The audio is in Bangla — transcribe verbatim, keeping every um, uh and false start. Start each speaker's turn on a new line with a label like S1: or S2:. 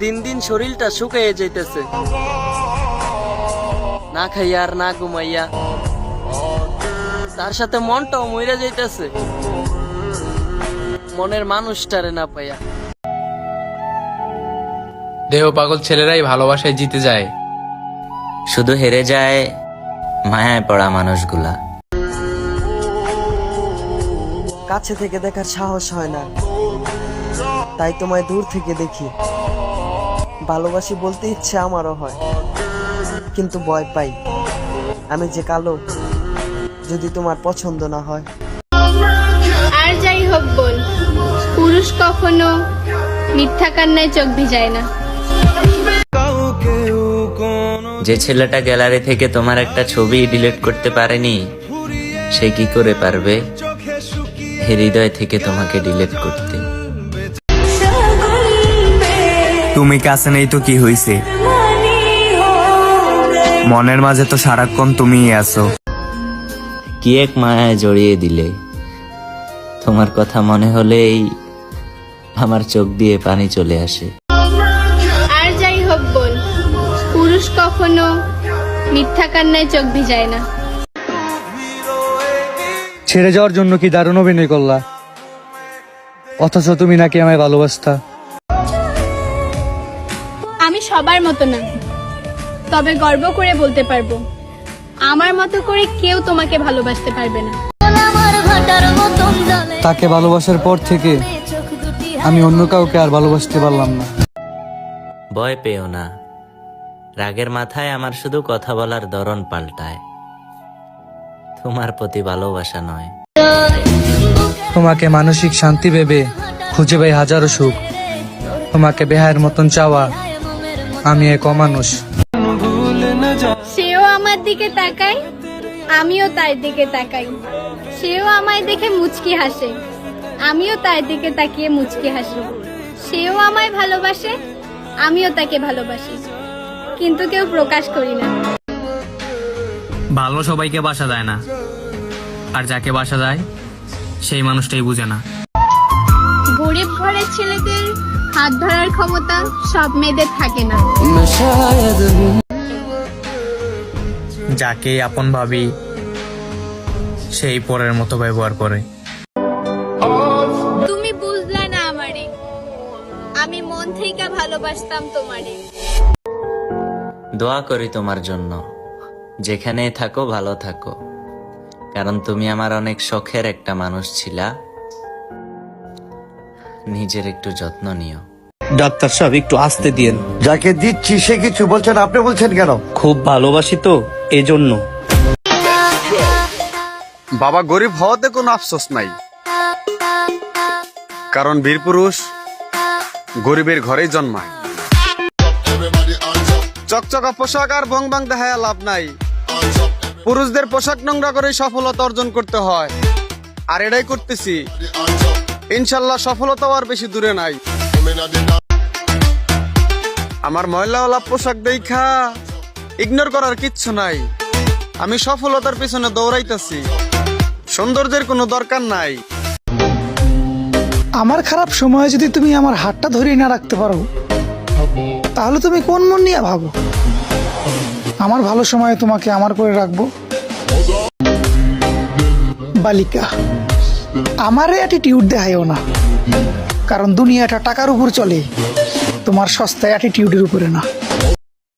S1: দিন দিন শরীরটা শুকিয়ে যাইতেছে, না খাইয়া আর না ঘুমাইয়া, তার সাথে মনটাও মইরা যাইতেছে মনের মানুষটারে না পাইয়া।
S2: দেহ পাগল ছেলেরাই ভালোবাসায় জিতে যায়,
S3: শুধু হেরে যায় মায়ায় পড়া মানুষগুলা।
S1: কাছে থেকে দেখার সাহস হয় না, তাই তোমায় দূর থেকে দেখি। ভালোবাসি বলতে ইচ্ছে আমারও হয়, কিন্তু ভয় পাই আমি যে কালো, যদি তোমার পছন্দ না হয়।
S4: আর যাই হোক বল, পুরুষ কখনো মিথ্যা কান্নায় চোখ ভিজায় না।
S3: যে ছেলেটা গ্যালারি থেকে তোমার একটা ছবি ডিলিট করতে পারেনি, সে কি করে পারবে হৃদয় থেকে তোমাকে ডিলিট করতে?
S5: তুমি কাছে নেই তো কি হইছে, মনের মাঝে তো সারাক্ষণ তুমিই আছো।
S3: কি এক মায়ায় জড়িয়ে দিলে, তোমার কথা মনে হলেই আমার চোখ দিয়ে পানি চলে আসে।
S4: আর যাই হোক বল, পুরুষ কখনো মিথ্যা কান্নায় চোখ ভিজায় না।
S6: ছেড়ে যাওয়ার জন্য কি দারুণ অভিনয় করলা, অথচ তুমি নাকি আমায় ভালোবাসতা।
S4: আমি সবার মতো না, তবে গর্ব করে বলতে পারবো আমার মতো করে কেউ তোমাকে ভালোবাসতে পারবে না।
S6: তাকে ভালোবাসার পর থেকে আমি অন্য কাউকে আর ভালোবাসতে পারলাম না।
S3: ভয় পেও না, রাগের মাথায় আমার শুধু কথা বলার ধরন পাল্টায়, তোমার প্রতি ভালোবাসা নয়।
S6: তোমাকে মানসিক শান্তি ভেবে খুঁজে পাই হাজারো সুখ, তোমাকে বেহায়ের মতন চাওয়া আমি এক অমানুষ।
S4: সেও আমার দিকে তাকায়, আমিও তার দিকে তাকাই। সেও আমায় দেখে মুচকি হাসে, আমিও তার দিকে তাকিয়ে মুচকি হাসি। সেও আমায় ভালোবাসে, আমিও তাকে ভালোবাসি, কিন্তু কেউ প্রকাশ করি না।
S2: ভালো সবাইকে বাসা দেয় না, আর যাকে বাসা দেয় সেই মানুষটাই বুঝে না।
S4: গরিব ঘরের ছেলেদের হাত ধরার ক্ষমতা সব মেয়েদের থাকে না।
S2: যাকে আপন ভাবি সেই পরের মতো ব্যবহার করে।
S4: তুমি বুঝলে না আমারে, আমি মন থেকে ভালোবাসতাম তোমারে।
S3: দোয়া করি তোমার জন্য, যেখানে থাকো ভালো থাকো, কারণ তুমি আমার অনেক শখের একটা মানুষ ছিলা। নিজের একটু যত্ন নিও।
S7: ডাক্তার সাহেব একটু আসতে দিয়েন।
S8: যাকে দিচ্ছি সে কিছু বলছেন, আপনি বলছেন কেন?
S7: খুব ভালোবাসি তো এই জন্য।
S9: বাবা গরিব হওয়াতে কোনো আফসোস নাই, কারণ বীর পুরুষ গরিবের ঘরেই জন্মায়। চকচকা পোশাক আর ভং ভাং দেখায় লাভ নাই, পুরুষদের পোশাক নোংরা করে সফলতা অর্জন করতে হয়, আর এটাই করতেছি। ইনশাল্লাহ সফলতা আর বেশি দূরে নাই। আমার ময়লাওয়ালা পোশাক দেখা ইগনোর করার কিচ্ছু নাই, আমি সফলতার পিছনে দৌড়াইতেছি, সৌন্দর্যের কোনো দরকার নাই।
S10: আমার খারাপ সময়ে যদি তুমি আমার হাতটা ধরিয়ে না রাখতে পারো, তাহলে তুমি কোন মন নিয়ে ভাবো আমার ভালো সময়ে তোমাকে আমার করে রাখবো? বালিকা, আমারে অ্যাটিটিউড দেখাইও না, কারণ দুনিয়াটা টাকার উপর চলে, তোমার সস্তা অ্যাটিটিউডের উপরে না।